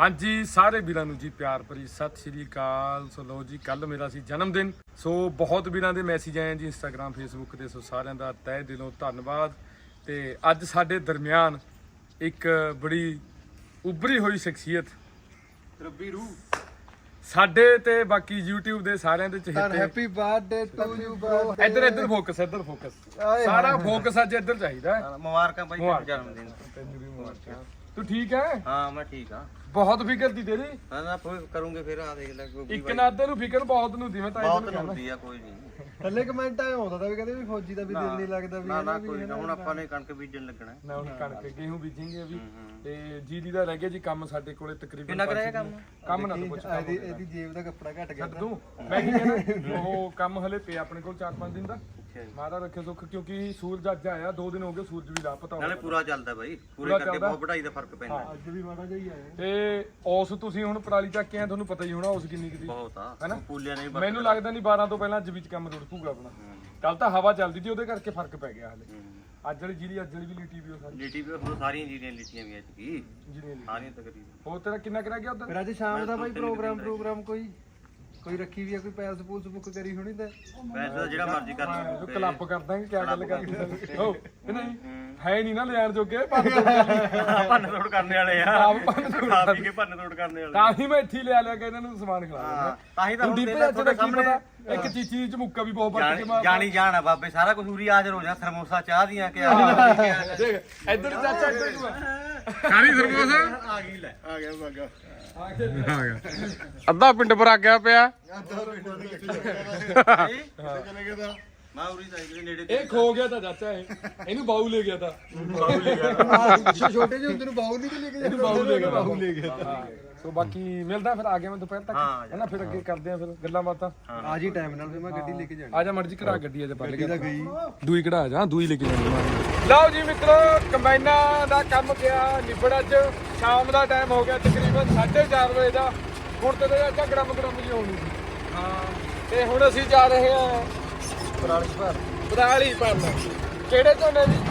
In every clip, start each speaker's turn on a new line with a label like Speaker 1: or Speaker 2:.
Speaker 1: ਹਾਂਜੀ ਸਾਰੇ ਵੀਰਾਂ ਨੂੰ ਜੀ ਪਿਆਰ ਭਰੀ ਸਤਿ ਸ਼੍ਰੀ ਅਕਾਲ। ਸੋ ਲੋ ਜੀ ਕੱਲ ਮੇਰਾ ਸੀ ਜਨਮ ਦਿਨ। ਸੋ ਬਹੁਤ ਵੀਰਾਂ ਦੇ ਮੈਸੇਜ ਆਏ ਜੀ ਇੰਸਟਾਗ੍ਰਾਮ ਫੇਸਬੁੱਕ ਤੇ। ਸੋ ਸਾਰਿਆਂ ਦਾ ਤਹਿ ਦਿਲੋਂ ਧੰਨਵਾਦ। ਤੇ ਅੱਜ ਸਾਡੇ ਦਰਮਿਆਨ ਇੱਕ ਬੜੀ ਉੱਭਰੀ ਹੋਈ ਸ਼ਖਸੀਅਤ
Speaker 2: ਰੱਬੀ ਰੂਹ
Speaker 1: ਸਾਡੇ ਤੇ ਬਾਕੀ YouTube ਦੇ ਸਾਰਿਆਂ ਦੇ ਚਹੇਤੇ।
Speaker 2: Happy birthday to you bro.
Speaker 1: ਇੱਧਰ ਫੋਕਸ ਸਾਰਾ ਫੋਕਸ ਅੱਜ ਇੱਧਰ ਚਾਹੀਦਾ ਹੈ।
Speaker 2: ਮੁਬਾਰਕਾਂ ਭਾਈ ਜਨਮ ਦਿਨ
Speaker 1: ਤੈਨੂੰ ਵੀ ਮੁਬਾਰਕਾਂ। ਤੂੰ ਠੀਕ ਹੈ?
Speaker 2: ਹਾਂ ਮੈਂ ਠੀਕ ਹਾਂ।
Speaker 1: ਬਹੁਤ ਫਿਕਰ ਦੀ ਤੇਰੀ।
Speaker 2: ਨਾ ਕਰੂੰਗੇ ਫਿਰ ਆ ਦੇਖ ਲੈ ਕੋਈ
Speaker 1: ਇੱਕ ਨਾ ਅੱਧੇ ਨੂੰ ਫਿਕਰ ਬਹੁਤ ਨੂੰ ਦੀ। ਮੈਂ ਤਾਂ
Speaker 2: ਬਹੁਤ ਹੁੰਦੀ ਆ ਕੋਈ ਨਹੀਂ।
Speaker 3: ਥੱਲੇ ਕਮੈਂਟ ਆਇਆ ਹੁੰਦਾ ਤਾਂ ਵੀ ਕਹਿੰਦੇ ਵੀ ਫੌਜੀ ਦਾ ਵੀ ਦਿਲ ਨਹੀਂ ਲੱਗਦਾ ਵੀ
Speaker 2: ਨਾ ਕੋਈ ਨਾ। ਹੁਣ ਆਪਾਂ ਨੇ ਕਣਕ ਬੀਜਣ ਲੱਗਣਾ।
Speaker 1: ਨਾ ਹੁਣ ਕਣਕ ਗੇਹੂੰ ਬੀਜेंगे ਅਭੀ। ਤੇ ਜੀਰੀ ਦਾ ਰਹਿ ਗਿਆ ਜੀ ਕੰਮ ਸਾਡੇ ਕੋਲੇ ਤਕਰੀਬਨ।
Speaker 2: ਕਿੰਨਾ ਕਰਾਇਆ
Speaker 1: ਕੰਮ ਨਾ ਪੁੱਛ।
Speaker 3: ਇਹਦੀ ਜੇਬ ਦਾ ਕੱਪੜਾ ਘਟ ਗਿਆ
Speaker 1: ਤੂੰ ਮੈਂ ਕੀ ਕਹਿਣਾ ਉਹ ਕੰਮ ਹਲੇ ਪਿਆ ਆਪਣੇ ਕੋਲ 4-5 ਦਿਨ ਦਾ। ਮਾਰਾ ਰੱਖੇ ਸੁੱਖ ਕਿਉਂਕਿ ਸੂਰਜ ਅੱਜ ਆਇਆ 2 ਦਿਨ ਹੋ ਗਏ ਸੂਰਜ ਵੀ ਲਾਪਤਾ ਹੋ ਗਿਆ।
Speaker 2: ਨਾਲੇ ਪੂਰਾ ਚੱਲਦਾ ਬਾਈ ਪੂਰੇ ਕਰਕੇ ਬਹੁਤ ਵਢਾਈ ਦਾ ਫਰਕ ਪੈਂਦਾ।
Speaker 3: ਅੱਜ ਵੀ ਮਾੜਾ ਜਿਹਾ ਹੀ ਆਇਆ
Speaker 1: ਤੇ ਔਸ ਤੁਸੀਂ ਹੁਣ ਪਰਾਲੀ ਚੱਕ ਕੇ ਆ ਤੁਹਾਨੂੰ ਪਤਾ ਹੀ ਹੋਣਾ ਔਸ ਕਿੰਨੀ ਕਿਦੀ
Speaker 2: ਬਹੁਤ ਆ
Speaker 1: ਹੈਨਾ।
Speaker 2: ਪੂਲਿਆਂ ਨੇ
Speaker 1: ਮੈਨੂੰ ਲੱਗਦਾ ਨਹੀਂ 12 ਤੋਂ ਪਹਿਲਾਂ ਅੱਜ ਵਿੱਚ ਕੰਮ ਰੁੜ ਪੂਗਾ ਆਪਣਾ। ਕੱਲ ਤਾਂ ਹਵਾ ਚੱਲਦੀ ਸੀ ਉਹਦੇ ਕਰਕੇ ਫਰਕ ਪੈ ਗਿਆ ਹਲੇ। ਅੱਜ ਵਾਲੀ ਜੀਰੀ ਅੱਜ ਵਾਲੀ ਵੀ ਲੀਟੀ ਵੀ ਉਹ ਸਾਰੀ
Speaker 2: ਲੀਟੀ ਵੀ ਹੁਣ ਸਾਰੀਆਂ ਜੀਰੀਆਂ ਲੀਟੀਆਂ ਵੀ ਐਤਕੀ
Speaker 1: ਜੀਰੀ
Speaker 2: ਸਾਰੀਆਂ ਤਕਰੀਬਨ।
Speaker 1: ਹੋਰ ਤੇਰਾ ਕਿੰਨਾ ਕਰਾ ਗਿਆ ਉਧਰ?
Speaker 3: ਫਿਰ ਅੱਜ ਸ਼ਾਮ ਦਾ ਬਾਈ ਪ੍ਰੋਗਰਾਮ ਕੋਈ ਰੱਖੀ ਵੀ ਆ ਕੋਈ ਪੈਲਸ ਪੂਲਸ ਬੁੱਕ ਕਰੀ ਹੋਣੀ ਤਾਂ
Speaker 2: ਵੈਸੇ ਤਾਂ ਜਿਹੜਾ ਮਰਜ਼ੀ ਕਰ ਲਓ।
Speaker 1: ਜੋ ਕਲੱਬ ਕਰਦਾ ਕਿ ਕਿਆ ਗੱਲ ਕਰਦੀ ਹੋ ਕਿ ਨਹੀਂ ਹੈ ਨਹੀਂ ਨਾ ਲਿਆਣ ਜੋਗੇ
Speaker 2: ਭੰਨ ਤੋੜ ਕਰਨੇ ਵਾਲੇ ਆ। ਖਾ ਪੀ ਕੇ ਭੰਨ ਤੋੜ ਕਰਨੇ ਵਾਲੇ।
Speaker 1: ਤਾਂ ਹੀ ਮੈਂ ਇੱਥੇ ਲਿਆ ਕੇ ਇਹਨਾਂ ਨੂੰ ਸਮਾਨ ਖਿਲਾ ਦਿੰਦਾ।
Speaker 2: ਤਾਂ ਹੀ ਤਾਂ ਹੁਣ
Speaker 1: ਤੁਹਾਡੇ ਸਾਹਮਣੇ ਇੱਕ ਚੀਚੀ ਚ ਮੁੱਕਾ ਵੀ ਬਹੁਤ ਵੱਟ ਕੇ ਮਾਰਦਾ।
Speaker 2: ਜਾਣੀ ਜਾਣ ਆ ਬਾਬੇ ਸਾਰਾ ਕੁਝ ਉਰੀ ਹਾਜ਼ਰ ਹੋ ਜਾ। ਥਰਮੋਸਾ ਚਾਹ ਦੀਆਂ ਕਿ
Speaker 1: ਦੇਖ ਇੱਧਰ ਚਾਚਾ ਇੱਧਰ ਤੂੰ ਕਾਹਦੀ ਸਰਮੋਸ
Speaker 2: ਆ ਗਈ ਲੈ ਆ ਗਿਆ ਬਾਗਾ
Speaker 1: ਅੱਧਾ ਪਿੰਡ ਪਰ ਆ ਗਿਆ ਪਿਆ।
Speaker 2: ਮੈਂ ਉਰੀ ਸਾਈਕਲ ਨੇੜੇ
Speaker 1: ਇਹ ਖੋ ਗਿਆ ਤਾਂ ਚਾਚਾ ਇਹਨੂੰ ਬਾਊ ਲੈ ਗਿਆ ਤਾਂ
Speaker 3: ਛੋਟੇ ਜਿਹੇ ਹੁੰਦੇ ਨੂੰ ਬਾਹੂ ਨਹੀਂ ਲੈ ਕੇ
Speaker 1: ਇਹਨੂੰ ਬਾਊ ਲੈ ਗਿਆ। ਸੋ ਬਾਕੀ ਮਿਲਦਾ ਫਿਰ ਆ ਗਿਆ ਮੈਂ ਦੁਪਹਿਰ ਤੱਕ ਹੈਨਾ। ਫਿਰ ਅੱਗੇ ਕਰਦੇ ਆ ਫਿਰ ਗੱਲਾਂ ਬਾਤਾਂ।
Speaker 3: ਆ ਜੀ ਟਾਈਮ ਨਾਲ ਫਿਰ ਮੈਂ ਗੱਡੀ ਲੈ ਕੇ ਜਾਣੀ।
Speaker 1: ਆ ਜਾ ਮਰਜੀ ਕਢਾ ਗੱਡੀ ਅਜੇ ਪੱਲੇ
Speaker 3: ਗੱਡੀ ਗਈ
Speaker 1: ਦੂਈ ਕਢਾ ਜਾ ਦੂਈ ਲੈ ਕੇ ਜਾਣੀ। ਲਓ ਜੀ ਮਿੱਤਰੋ ਕੰਬਾਈਨਾਂ ਦਾ ਕੰਮ ਗਿਆ ਨਿਬੜ। ਅੱਜ ਸ਼ਾਮ ਦਾ ਟਾਈਮ ਹੋ ਗਿਆ ਤਕਰੀਬਨ 4:30 ਵਜੇ ਦਾ। ਹੁਣ ਤੇ ਚਾਚਾ ਗਰਮ ਜੀ ਹੋਣੀ ਸੀ। ਹਾਂ ਤੇ ਹੁਣ ਅਸੀਂ ਜਾ ਰਹੇ ਹਾਂ ਪਰਾਲੀ ਭਰਨ। ਕਿਹੜੇ ਝੋਨੇ ਦੀ?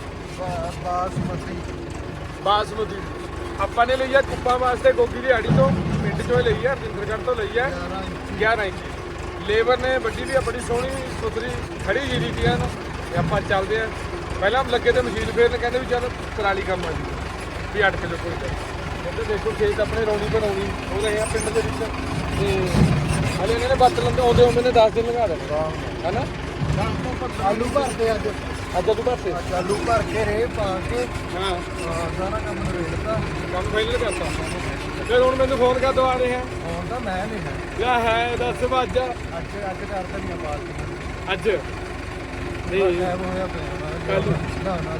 Speaker 1: ਬਾਸਮਤੀ। ਆਪਾਂ ਨੇ ਲਈ ਆ ਕੁੱਪਾਂ ਵਾਸਤੇ ਗੋਗੀ ਦੀ ਆੜੀ ਤੋਂ ਪਿੰਡ ਚੋਂ ਲਈ ਆ ਰਜਿੰਦਰਗੜ੍ਹ ਤੋਂ ਲਈ ਆ 11 ਇੰਚ। ਲੇਬਰ ਨੇ ਵੱਡੀ ਵੀ ਆ ਬੜੀ ਸੋਹਣੀ ਸੁਥਰੀ ਖੜੀ ਜੀਰੀ ਦੀ ਆ ਨਾ। ਤੇ ਆਪਾਂ ਚੱਲਦੇ ਆ। ਪਹਿਲਾਂ ਲੱਗੇ ਤੇ ਮਸ਼ੀਨ ਫੇਰਨ ਕਹਿੰਦੇ ਵੀ ਚੱਲ ਪਰਾਲੀ ਕੰਮ ਆ ਜੀ ਵੀ 8 ਕਿਲੋ ਕੋਈ ਕਹਿੰਦੇ ਦੇਖੋ ਖੇਤ ਆਪਣੇ ਰੌਣੀ ਬਣਾਉਣੀ ਉਹ ਰਹੇ ਆ ਪਿੰਡ ਦੇ ਵਿੱਚ। ਤੇ ਹਲੇ ਇਹਨਾਂ ਨੇ ਬੱਤ ਲੰਦੇ ਆਉਂਦੇ ਨੇ 10 ਦਿਨ ਲਗਾ ਦੇਣੇ ਹੈਨਾ।
Speaker 3: ਆਲੂ ਭਰਦੇ ਅੱਜ
Speaker 1: ਤੂੰ ਭਰਤੇ
Speaker 3: ਆਲੂ ਭਰ ਕੇ ਰੇ ਪਾ ਕੇ
Speaker 1: ਹਾਂ
Speaker 3: ਸਾਰਾ ਕੰਮ ਨਵੇੜਤਾ।
Speaker 1: ਕੰਮ ਫਾਈਨਲ ਕਰਤਾ। ਫਿਰ ਹੁਣ ਮੈਨੂੰ ਫੋਨ ਕਰ ਦਵਾ ਰਹੇ ਆ।
Speaker 3: ਹੁਣ ਤਾਂ ਮੈਂ ਨਹੀਂ ਹੈ
Speaker 1: ਕਿਆ ਹੈ ਦੱਸ ਅੱਜ
Speaker 3: ਅੱਜ ਕਰਦਾ ਨਹੀਂ ਬਾਤ
Speaker 1: ਅੱਜ ਨਹੀਂ
Speaker 3: ਟਾਈਮ ਹੋਇਆ ਪਿਆ
Speaker 1: ਕੱਲ
Speaker 3: ਨਾ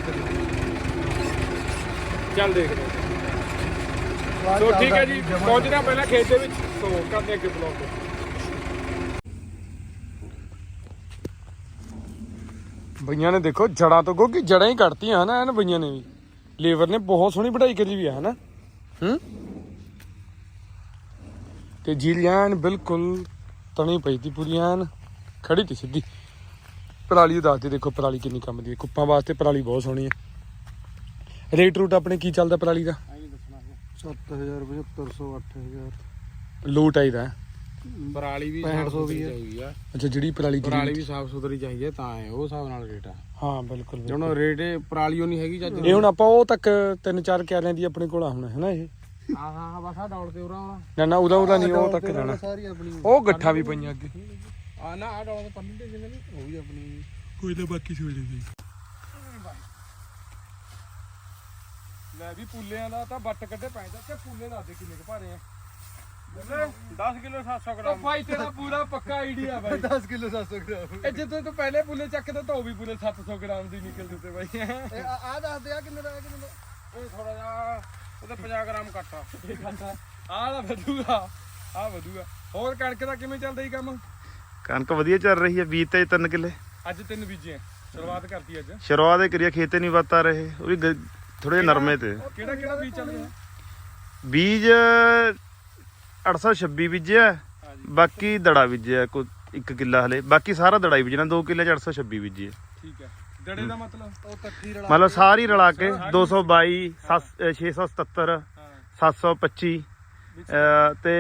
Speaker 1: ਚੱਲ ਦੇਖਦੇ ਸੋ ਠੀਕ ਹੈ ਜੀ ਪਹੁੰਚਣਾ ਪਹਿਲਾਂ ਖੇਤ ਦੇ ਵਿੱਚ। ਸੋ ਕਰਦੇ ਅੱਗੇ ਬਲੌਗ। ਬਈਆਂ ਨੇ ਦੇਖੋ ਜੜਾਂ ਤੋਂ ਕਿਉਂਕਿ ਜੜਾਂ ਹੀ ਕੱਟਤੀਆਂ ਹਨਾ। ਇਹਨਾਂ ਬਈਆਂ ਨੇ ਵੀ ਲੇਬਰ ਨੇ ਬਹੁਤ ਸੋਹਣੀ ਵਢਾਈ ਕਰੀ ਵੀ ਆ ਹਨਾ। ਤੇ ਜੀਲੀਆਂ ਬਿਲਕੁਲ ਤਣੀ ਪਈ ਤੀ ਪੂਰੀ ਐਨ ਖੜੀ ਤੀ ਸਿੱਧੀ। ਪਰਾਲੀ ਦੱਸਦੇ ਦੇਖੋ ਪਰਾਲੀ ਕਿੰਨੀ ਕੰਮ ਦੀ ਹੈ। ਕੁੱਪਾਂ ਵਾਸਤੇ ਪਰਾਲੀ ਬਹੁਤ ਸੋਹਣੀ ਹੈ। ਰੇਟ ਰੂਟ ਆਪਣੇ ਕੀ ਚੱਲਦਾ ਪਰਾਲੀ ਦਾ?
Speaker 3: 7000 7500 8000
Speaker 1: ਲੋਟ ਆਈਦਾ
Speaker 4: ਪਰਾਲੀ ਵੀ
Speaker 3: 6500 ਵੀ
Speaker 4: ਚਾਹੀਦੀ ਆ।
Speaker 1: ਅੱਛਾ ਜਿਹੜੀ ਪਰਾਲੀ
Speaker 4: ਪਰਾਲੀ ਵੀ ਸਾਫ ਸੁਥਰੀ ਚਾਹੀਦੀ ਹੈ ਤਾਂ ਹੈ ਉਹ ਹਿਸਾਬ ਨਾਲ ਰੇਟ ਆ।
Speaker 1: ਹਾਂ ਬਿਲਕੁਲ
Speaker 4: ਜਦੋਂ ਰੇਟ ਪਰਾਲੀ ਉਹ ਨਹੀਂ ਹੈਗੀ ਚੱਜ
Speaker 1: ਇਹ ਹੁਣ ਆਪਾਂ ਉਹ ਤੱਕ 3-4 ਕਿਆਰਿਆਂ ਦੀ ਆਪਣੇ ਕੋਲ ਆ ਹੁਣ ਹੈ ਨਾ। ਇਹ
Speaker 4: ਹਾਂ ਬਸ ਆ ਡੌਲ ਤੇ ਉਰਾ
Speaker 1: ਨਾ ਉਹਦਾ ਨਹੀਂ ਉਹ ਤੱਕ ਜਾਣਾ।
Speaker 3: ਸਾਰੀ ਆਪਣੀ
Speaker 1: ਉਹ ਗੱਠਾਂ ਵੀ ਪਈਆਂ ਅੱਗੇ
Speaker 4: ਆ ਨਾ ਆ ਡੌਲ ਤੇ ਪੱਲੀ ਤੇ ਜਿਵੇਂ ਉਹ ਵੀ ਆਪਣੀ
Speaker 1: ਕੋਈ ਤਾਂ ਬਾਕੀ ਸੋਚ ਲਈ। ਲੈ ਵੀ ਪੁੱਲਿਆਂ ਦਾ ਤਾਂ ਵੱਟ ਕੱਢੇ ਪੈਂਦਾ ਤੇ ਪੁੱਲੇ ਦੱਸਦੇ ਕਿੰਨੇ ਕੁ ਭਾਰੇ ਆ।
Speaker 4: 10 ਕਿਲੋ 700
Speaker 1: ਉਹ ਭਾਈ ਤੇਰਾ ਪੂਰਾ ਪੱਕਾ ਆਈਡੀਆ ਬਾਈ।
Speaker 3: 10 ਕਿਲੋ 700 ਗ੍ਰਾਮ
Speaker 1: ਇਹ ਜਿੱਦੋਂ ਤੂੰ ਪਹਿਲੇ ਪੁੱਲੇ ਚੱਕਦੇ ਤਾਂ ਉਹ ਵੀ ਪੂਰੇ 700 ਗ੍ਰਾਮ ਦੀ ਨਿਕਲ ਦਿੱਤੇ ਬਾਈ।
Speaker 3: ਆ ਦੱਸ ਦੇ ਆ ਕਿੰਨੇ ਦਾ ਕਿੰਨੇ ਦਾ
Speaker 4: ਇਹ ਥੋੜਾ ਜਿਹਾ ਉਹਦੇ 50 ਗ੍ਰਾਮ ਘੱਟ ਆ।
Speaker 1: ਆਹ ਵਧੂਗਾ ਆਹ ਵਧੂਗਾ। ਹੋਰ ਕਣਕ ਦਾ ਕਿਵੇਂ ਚੱਲਦਾ ਜੀ ਕੰਮ?
Speaker 5: ਕਣਕ ਵਧੀਆ ਚੱਲ ਰਹੀ ਹੈ। ਬੀਜ ਤੇ 3 ਕਿੱਲੇ
Speaker 1: ਅੱਜ 3 ਬੀਜੇ ਸ਼ੁਰੂਆਤ ਕਰਤੀ ਅੱਜ।
Speaker 5: ਸ਼ੁਰੂਆਤ ਹੀ ਕਰੀਏ ਖੇਤੇ ਨਹੀਂ ਵੱਤ ਆ ਰਹੇ ਉਹ ਵੀ ਥੋੜੇ ਜਿਹੇ ਨਰਮੇ ਤੇ।
Speaker 1: ਕਿਹੜਾ ਬੀਜ ਚੱਲ ਰਿਹਾ?
Speaker 5: ਬੀਜ 826 ਬੀਜਿਆ ਬਾਕੀ ਦੜਾ ਬੀਜਿਆ ਕੋਈ 1 ਕਿੱਲਾ ਹਲੇ ਬਾਕੀ ਸਾਰਾ ਦੜਾ ਹੀ ਬੀਜਣਾ 2 ਕਿੱਲੇ 'ਚ 826 ਬੀਜੀ ਹੈ।
Speaker 1: ਠੀਕ ਹੈ ਦੜੇ ਦਾ ਮਤਲਬ
Speaker 3: ਉਹ ਇਕੱਠੀ ਰਲਾ
Speaker 5: ਮਤਲਬ ਸਾਰੀ ਰਲਾ ਕੇ 222 677 725 ਤੇ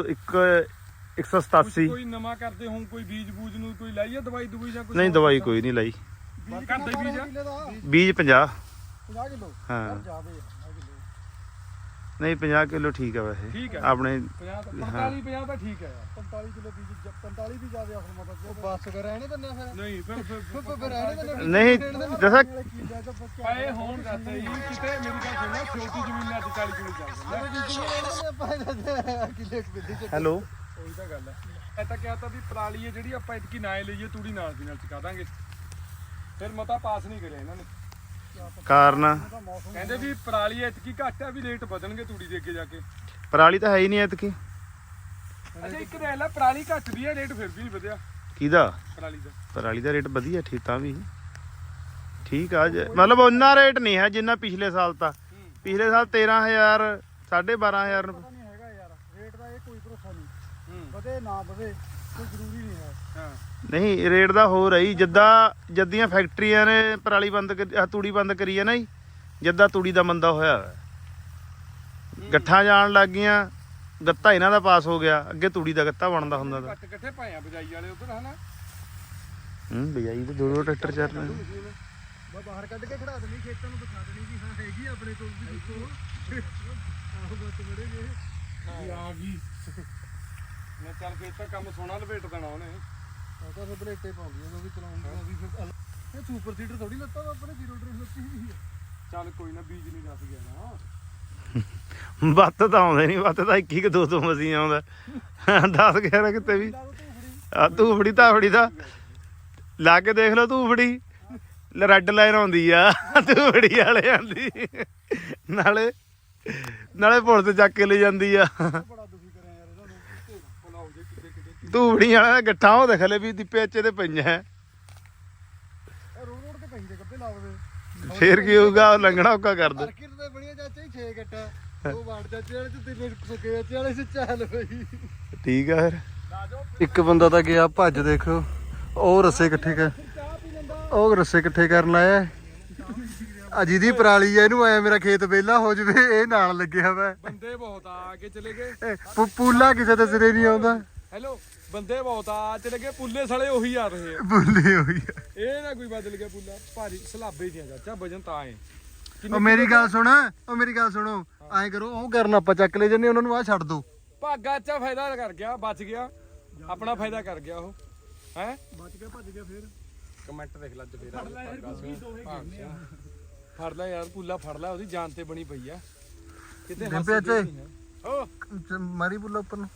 Speaker 5: 187
Speaker 1: ਕੋਈ ਨਵਾਂ ਕਰਦੇ ਹੋਂ ਕੋਈ ਬੀਜ ਬੂਜ ਨੂੰ ਕੋਈ ਲਾਈਏ ਦਵਾਈ ਦਵਾਈ ਜਾਂ ਕੋਈ
Speaker 5: ਨਹੀਂ ਦਵਾਈ ਕੋਈ ਨਹੀਂ ਲਾਈ
Speaker 1: ਬੀਜ ਕਰਦੇ ਬੀਜ ਆ
Speaker 5: ਬੀਜ 50
Speaker 3: 50 ਕਿਲੋ
Speaker 5: ਹਾਂ
Speaker 3: ਜ਼ਿਆਦੇ ਆ
Speaker 5: ਨਹੀਂ 50 ਕਿਲੋ ਠੀਕ ਆ ਵੈਸੇ
Speaker 1: ਠੀਕ ਹੈ
Speaker 5: ਆਪਣੇ
Speaker 1: 45 50 ਤਾਂ ਠੀਕ ਹੈ ਯਾਰ
Speaker 3: 45 ਕਿਲੋ ਬੀਜ 45 ਵੀ ਜ਼ਿਆਦੇ ਆ ਹੁਣ ਮਤਲਬ ਬਸ ਕਰ ਰਹਿਣੇ ਦਿੰਦੇ ਆ ਫਿਰ
Speaker 1: ਨਹੀਂ ਫਿਰ
Speaker 3: ਰਹਿਣੇ ਦਿੰਦੇ
Speaker 5: ਨਹੀਂ ਦੱਸਾਂ
Speaker 1: ਪਏ ਹੋਣ ਦੱਸਦੇ ਜੀ ਕਿਤੇ ਮੇਰੀ ਗੱਲ ਸੁਣੋ ਛੋਟੀ ਜ਼ਮੀਨ ਅੱਜ 40 ਕਿਲੋ ਚੱਲ ਜਾਂਦਾ
Speaker 3: ਕਿਲੇ ਬਿੱਲੀ ਚ
Speaker 5: ਹੈਲੋ
Speaker 1: ਉਹੀ ਤਾਂ ਗੱਲ ਹੈ ਇਹ ਤਾਂ ਕਿਹਾ ਤਾਂ ਵੀ ਪਰਾਲੀ ਹੈ ਜਿਹੜੀ ਆਪਾਂ ਇਤਕੀ ਨਾ ਲਈਏ ਤੂੜੀ ਨਾਲ ਦੀ ਨਾਲ ਚਕਾ ਦਾਂਗੇ ਫਿਰ ਮਤਾ ਪਾਸ ਨਹੀਂ ਕਰਿਆ ਇਹਨਾਂ ਨੇ
Speaker 5: ਕਾਰਨ
Speaker 1: ਕਹਿੰਦੇ ਵੀ ਪਰਾਲੀ ਇਤਕੀ ਘੱਟ ਆ ਵੀ ਰੇਟ ਵਧਣਗੇ ਤੂੜੀ ਦੇ ਅੱਗੇ ਜਾ ਕੇ
Speaker 5: ਪਰਾਲੀ ਤਾਂ ਹੈ ਹੀ ਨਹੀਂ ਐਤਕੀ
Speaker 1: ਅੱਛਾ ਇੱਕ ਰਹਿ ਲੈ ਪਰਾਲੀ ਘੱਟ ਵੀ ਹੈ ਰੇਟ ਫਿਰ ਵੀ ਨਹੀਂ ਵਧਿਆ
Speaker 5: ਕਿਹਦਾ
Speaker 1: ਪਰਾਲੀ ਦਾ
Speaker 5: ਪਰਾਲੀ ਦਾ ਰੇਟ ਵਧੀਆ ਠੀਕ ਤਾਂ ਵੀ ਠੀਕ ਆ ਮਤਲਬ ਉਹਨਾਂ ਰੇਟ ਨਹੀਂ ਹੈ ਜਿੰਨਾ ਪਿਛਲੇ ਸਾਲ ਤਾਂ ਪਿਛਲੇ ਸਾਲ 13000 12500
Speaker 3: ਨਹੀਂ ਹੈਗਾ ਯਾਰ ਰੇਟ ਦਾ ਇਹ ਕੋਈ ਭਰੋਸਾ ਨਹੀਂ ਵਧੇ ਨਾ ਵਧੇ ਕੋਈ ਜ਼ਰੂਰੀ ਨਹੀਂ ਹੈ
Speaker 1: ਹਾਂ
Speaker 5: ਨਹੀਂ ਰੇਟ ਦਾ ਹੋ ਰਹੀ ਜੱਦੀਆਂ ਫੈਕਟਰੀਆਂ ਨੇ ਪਰਾਲੀ ਬੰਦ ਤੂੜੀ ਬੰਦ ਕਰੀ ਹੈ ਨਾ ਜੀ ਜੱਦਾਂ ਤੂੜੀ ਦਾ ਮੰਦਾ ਹੋਇਆ ਗੱਠਾਂ ਜਾਣ ਲੱਗ ਗਈਆਂ ਗੱਤਾ ਇਹਨਾਂ ਦਾ ਪਾਸ ਹੋ ਗਿਆ ਅੱਗੇ ਤੂੜੀ ਦਾ ਗੱਤਾ ਬਣਦਾ ਹੁੰਦਾ ਤਾਂ
Speaker 1: ਘੱਟ ਇਕੱਠੇ ਪਾਏ ਆ ਬਜਾਈ ਵਾਲੇ ਉਧਰ ਹਨਾ
Speaker 5: ਬਜਾਈ ਤੇ ਦੋ ਟਰੈਕਟਰ ਚੱਲ ਰਹੇ
Speaker 3: ਬਸ ਬਾਹਰ ਕੱਢ ਕੇ ਖੜਾ ਦੇਣੀ ਖੇਤਾਂ ਨੂੰ ਦਿਖਾ ਦੇਣੀ ਵੀ ਹਾਂ ਹੈਗੀ ਆਪਣੇ ਕੋਲ ਵੀ ਦੇਖੋ ਆਹੋ ਬਸ ਬੜੇ ਜੇ
Speaker 1: ਆ ਗਈ ਮੈਂ ਚੱਲ ਫੇਰ ਤਾਂ ਕੰਮ ਸੋਹਣਾ ਲਪੇਟ ਦੇਣਾ ਉਹਨੇ
Speaker 3: ਉਹ ਤਾਂ ਬਲੇਟੇ ਪਾਉਂਦੀ ਉਹ ਵੀ ਚਲਾਉਂਦੀ ਵੀ ਫਿਰ ਇਹ ਸੁਪਰ ਸੀਡਰ ਥੋੜੀ ਲੱਤਾ ਆਪਣੇ ਜ਼ੀਰੋ ਡਰਿਫਟ ਲੱਤੀ ਹੋਈ ਹੈ
Speaker 1: ਚੱਲ ਕੋਈ ਨਾ ਬੀਜ ਨਹੀਂ ਦੱਸ ਗਿਆ ਨਾ
Speaker 5: ਬੱਤ ਤਾਂ ਆਉਂਦੇ ਨਹੀਂ ਬੱਤ ਤਾਂ 21 2 2 ਮਸੀਂ ਆਉਂਦਾ 10 11 ਕਿਤੇ ਵੀ ਆ ਧੂਫੜੀ ਧਾਫੜੀ ਦਾ ਲਾ ਕੇ ਦੇਖ ਲਓ ਧੂਫੜੀ ਰੈੱਡ ਲਾਈਨ ਆਉਂਦੀ ਆ ਧੂਫੜੀ ਵਾਲੇ ਆਂਦੀ ਨਾਲੇ ਪੁਲਿਸ ਚੱਕ ਕੇ ਲੈ ਜਾਂਦੀ ਆ
Speaker 3: ਬੜਾ ਦੁਖੀ ਕਰਿਆ ਯਾਰ ਇਹਨਾਂ ਨੂੰ
Speaker 1: ਭਲਾਓ ਜੇ ਕਿਤੇ ਕਿਤੇ
Speaker 5: ਧੂਫੜੀ ਵਾਲਾ ਦਾ ਗੱਠਾਂ ਉਹ ਦੇਖ ਲੈ ਵੀ ਦੀਪੇ ਅੱਚੇ ਤੇ ਪਈਆਂ
Speaker 3: ਰੋਡ ਤੇ ਪਈ ਦੇ ਕੱਪੇ ਲਾਵਦੇ
Speaker 5: ਫੇਰ ਕੀ ਹੋਊਗਾ ਲੰਘਣਾ ਔਕਾ ਕਰ ਦੋ
Speaker 3: ਮਾਰਕੀਟ ਤੇ ਬਣੀਆਂ ਚਾਚਾ ਹੀ 6 ਗੱਟਾ ਉਹ ਵਾੜ ਚਾਚੇ ਵਾਲੇ ਤੇ ਤਿੰਨ ਸੁੱਕੇ ਚਾਚੇ ਵਾਲੇ ਸੇ ਚੱਲ ਪਈ
Speaker 5: ਠੀਕ ਆ ਫਿਰ
Speaker 3: ਇੱਕ ਬੰਦਾ ਤਾਂ ਗਿਆ ਭੱਜ ਦੇਖੋ ਉਹ ਰੱਸੇ ਇਕੱਠੇ ਕਰ ਉਹ ਰੱਸੇ ਇਕੱਠੇ ਕਰਨ ਆਇਆ ਆ ਜਿਹਦੀ ਪਰਾਲੀ ਆ ਇਹਨੂੰ ਆਇਆ ਮੇਰਾ ਖੇਤ ਵਿਹਲਾ ਹੋ ਜਵੇ ਇਹ ਨਾਲ ਲੱਗਿਆ ਵਾ
Speaker 1: ਬੰਦੇ ਬਹੁਤ ਆ ਕੇ ਚਲੇ ਗਏ
Speaker 3: ਪੂਲਾ ਕਿਸੇ ਦੇ ਸਿਰੇ ਨਹੀਂ ਆਉਂਦਾ
Speaker 1: ਹੈਲੋ ਬੰਦੇ ਬਹੁਤ ਆ ਚਲੇ ਗਏ ਪੁੱਲੇ ਸਲੇ ਉਹੀ ਆ ਰਹੇ ਆ
Speaker 3: ਬੁੱਲੇ ਹੋਈ ਆ।
Speaker 1: ਇਹ ਨਾ ਕੋਈ ਬਦਲ ਗਿਆ ਪੁੱਲਾ ਭਾਰੀ ਸਲਾਬੇ ਦੀਆਂ ਚਾਚਾ ਵਜਨ ਤਾਂ ਆਏ
Speaker 3: ਉਹ ਮੇਰੀ ਗੱਲ ਸੁਣੋ ਐਂ ਕਰੋ ਉਹ ਕਰਨ ਆਪਾਂ ਚੱਕ ਲੈ ਜੰਨੇ ਉਹਨਾਂ ਨੂੰ ਆ ਛੱਡ ਦੋ
Speaker 1: ਭਾਗਾ ਚਾ ਫਾਇਦਾ ਕਰ ਗਿਆ ਬਚ ਗਿਆ ਆਪਣਾ ਫਾਇਦਾ ਕਰ ਗਿਆ ਉਹ ਹੈ
Speaker 3: ਬਚ ਗਿਆ ਭੱਜ ਗਿਆ ਫੇਰ
Speaker 1: ਕਮੈਂਟ ਦੇਖ ਲੈ ਫੇਰ ਫੜ ਲੈ ਯਾਰ ਪੁੱਲਾ ਫੜ ਲੈ ਉਹਦੀ ਜਾਨ ਤੇ ਬਣੀ ਪਈ ਆ ਕਿਤੇ
Speaker 3: ਡਿੰਪੇ ਅੱਛੇ
Speaker 1: ਓ
Speaker 3: ਮਾਰੀ ਬੁੱਲਾ ਉੱਪਰ ਨੂੰ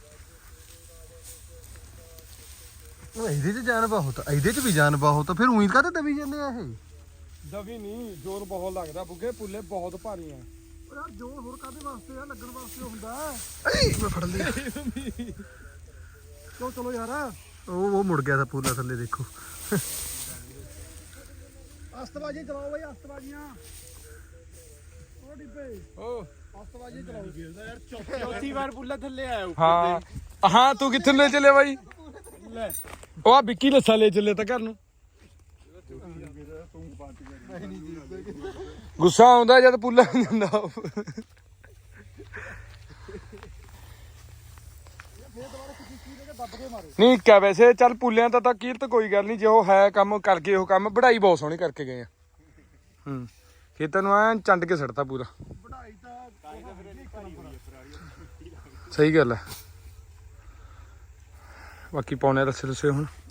Speaker 3: ਉਹ ਇਹਦੇ ਚ ਜਾਨ ਬਹੁਤ ਇਹਦੇ ਚ ਵੀ ਜਾਨ ਬਹੁਤ ਫਿਰ ਉਹੀ ਕਾਹਤੇ ਦਬੀ ਜਾਂਦੇ ਆ ਇਹ
Speaker 1: ਦਵੀ ਨਹੀਂ ਜ਼ੋਰ ਬਹੁਤ ਲੱਗਦਾ ਬੁੱਗੇ ਪੁੱਲੇ ਬਹੁਤ ਭਾਰੀ ਆ
Speaker 3: ਯਾਰ ਜੋਰ ਹੋਰ ਕਾਹਦੇ ਵਾਸਤੇ ਆ ਲੱਗਣ ਵਾਸਤੇ ਹੁੰਦਾ ਏ ਮੈਂ ਫੜ ਲਿਆ ਚਲੋ ਯਾਰ ਉਹ ਮੁੜ ਗਿਆ ਤਾਂ ਪੂਲਾ ਥੱਲੇ ਦੇਖੋ ਅਸਤਬਾਜੀ ਚਲਾਓ ਬਈ ਅਸਤਬਾਜੀਆਂ ਉਹ ਡਿੱਬੇ
Speaker 1: ਓ
Speaker 3: ਅਸਤਬਾਜੀ ਚਲਾਓ ਯਾਰ
Speaker 2: ਚੌਥੀ ਵਾਰ ਪੁੱਲਾ ਥੱਲੇ ਆਇਆ
Speaker 1: ਹਾਂ ਤੂੰ ਕਿੱਥੇ ਲੈ ਚੱਲੇ ਬਾਈ ਲੈ ਉਹ ਆ ਵਿੱਕੀ ਲੱਸਾ ਲੈ ਚੱਲੇ ਤਾਂ ਘਰ ਨੂੰ ਗੁੱਸਾ ਆਉਂਦਾ ਜਦ ਪੁੱਲਾ ਨਹੀਂ ਜਾਂਦਾ ਨਹੀਂ ਕਿਆ ਵੈਸੇ ਚੱਲ ਪੁੱਲਿਆਂ ਤਾਂ ਕੀਰਤ ਕੋਈ ਗੱਲ ਨਹੀਂ ਜੇ ਉਹ ਹੈ ਕੰਮ ਕਰਕੇ ਉਹ ਕੰਮ ਵਢਾਈ ਬਹੁਤ ਸੋਹਣੀ ਕਰਕੇ ਗਏ ਆ ਖੇਤਾਂ ਨੂੰ ਐ ਚੰਡ ਕੇ ਸੜਤਾ ਪੂਰਾ
Speaker 3: ਵਢਾਈ ਤਾਂ
Speaker 1: ਸਹੀ ਗੱਲ ਹੈ ਬਾਕੀ ਪਾਉਣੇ ਦੱਸੇ ਹੁਣ